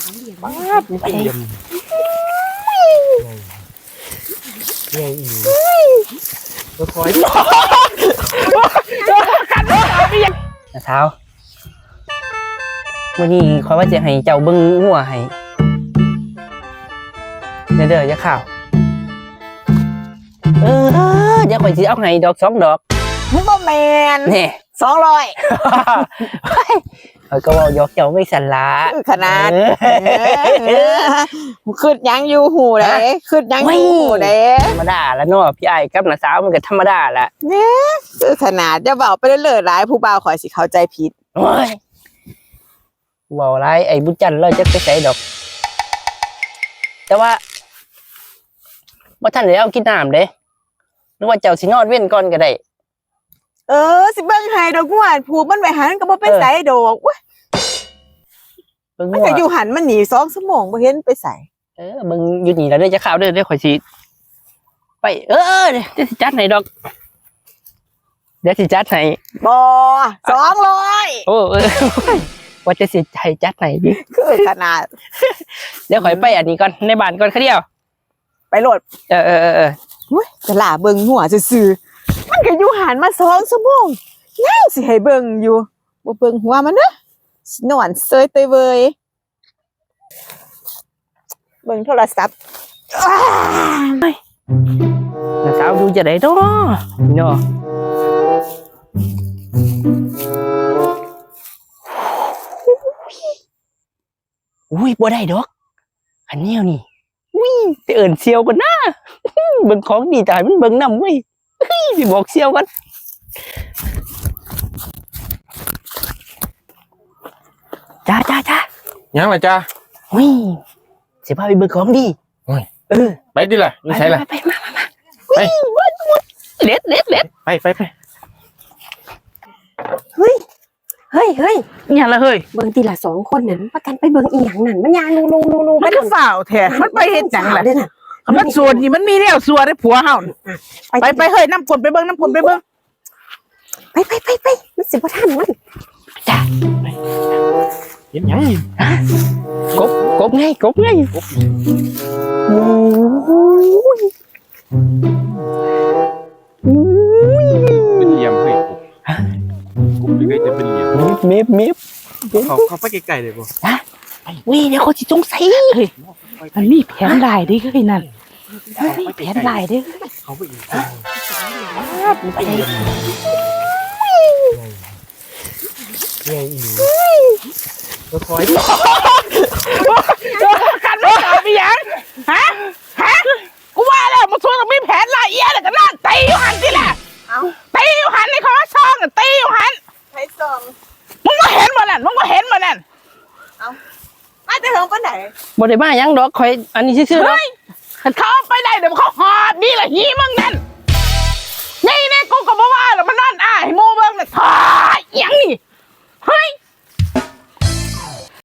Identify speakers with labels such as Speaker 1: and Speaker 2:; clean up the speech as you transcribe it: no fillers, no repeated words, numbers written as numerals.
Speaker 1: ป้าบไปเยี่ยมใหญ่อีตัวคอยกันนะเท้าวันนี้คอยว่าจะให้เจ้าเบิ้งหัวให้เด้อจะข่าวเดี๋ยวคอยสิเอาให้ดอก2 ดอก
Speaker 2: มึงบ่แมน
Speaker 1: นี่
Speaker 2: 200
Speaker 1: คอยก็บอกยกเจ้าไม่สันละ
Speaker 2: ขนาดขึ้นยังอยู่หูเลยขึ้นยังอยู่หูเลย
Speaker 1: ธรรมดาแล้วเนาะพี่ไอ้กับน้าสาวมันก็ธรรมดาละ
Speaker 2: เนี่ยคือขนาดจะเบาไปเรื่อยๆหลายผู้บ่าวขอยสิเข้าใจผิด
Speaker 1: โอ้ยว่าไรไอ้บุญจันทร์เราจะไปใส่ดอกแต่ว่าท่านเดี๋ยวเอากินน้ำเด้นึกว่าเจ้าสินอนเว้นก่อนก็ได้
Speaker 2: สิเบิ่งให้ดอกงวดผูกมันไว้หันก็บ่เป็นไสดอกเว้ยมันก็อยู่หันมันหนี2 ชั่วโมงบ่เห็นไปใส่
Speaker 1: มึงอยู่นี่แล้วเด้อจะข่าวเด้อข่อยสิไปเดี๋ยวสิจัดให้ดอกเดี๋ยวสิจัดให้
Speaker 2: บ่200
Speaker 1: ว่าจะสิให้จัดให้ดิ
Speaker 2: คือขนาด
Speaker 1: เดี๋ยวข่อยไปอันนี้ก่อนในบ้านก่อนแค่เดียว
Speaker 2: ไปโหลดเว้ยจะล่าเบิ่งหัวซื่อๆมันก็อยู่หันมา2 ชั่วโมงยังสิให้เบิ่งอยู่บ่เบิ่งหัวมันเด้อนอนเซยเตยเวยเบิ่งโทรศัพท์
Speaker 1: น้าสาวดูจะได้เนาะอุ้ยบ่ได้ดอกอันนี้นี่ไปเอิญเซียวกันนะเบิ่งของดีใจมันเบิ่งนำเว้ยสิบอกเซียวกันจ้า
Speaker 3: ยังล่ะจ้า
Speaker 1: สิพาไปเบิ่งของดี
Speaker 3: ไปดิล่ะอยู่ใช่ล่ะ
Speaker 1: ไปมาไปเล็ด
Speaker 3: ไป
Speaker 2: เฮ้ย
Speaker 1: อย่างละเฮ้ย
Speaker 2: เบิ่งทีละ2 คนนั่นประกันไปเบิ่งอีหยังนั่นมันยางนู
Speaker 4: มันก็ฝ่าวแท้มันไปเฮ็ดจังล่ะมันสวนนี่มันมีแล้วสัวได้ผัวเฮาไปเฮ้ยน้ำกลไปเบิ่งไป
Speaker 2: มันสิบ่ทันมัน
Speaker 1: จ้า
Speaker 3: เห็นยัง
Speaker 1: กบไง
Speaker 3: เป็นเหลี่ยมเฮ้ยกบเลยจะเป็นเหลี่ยม
Speaker 1: เมฟ
Speaker 3: เขาไปไกลๆเลยบ่
Speaker 1: เดี๋ยวเขาสิสงสัย
Speaker 4: มันมีแผนหลายดิเฮ้ยนั่นแผนหลายดิ
Speaker 3: เขาไปอีกใหญ่อีตัวคอย
Speaker 4: กันไม่ตอบมีหยังฮะกูว่าแล้วมันชวนต้องมีแผนหลายเอี้ยเลยกันนั่นตีอยู่หันสิแหละตีอยู่หันในคอช่องตีอยู่หัน
Speaker 2: ไปส่ง
Speaker 4: มึงก็เห็นมานั่น
Speaker 2: มาแต่เฮิงปานไหน
Speaker 1: บ่ได้มาหยังดอกข่อยอันนี้ซื่อๆเนาะ
Speaker 4: เขาไปได้เดี๋ยวเขาหอบนี่แหละหีมึงนั่น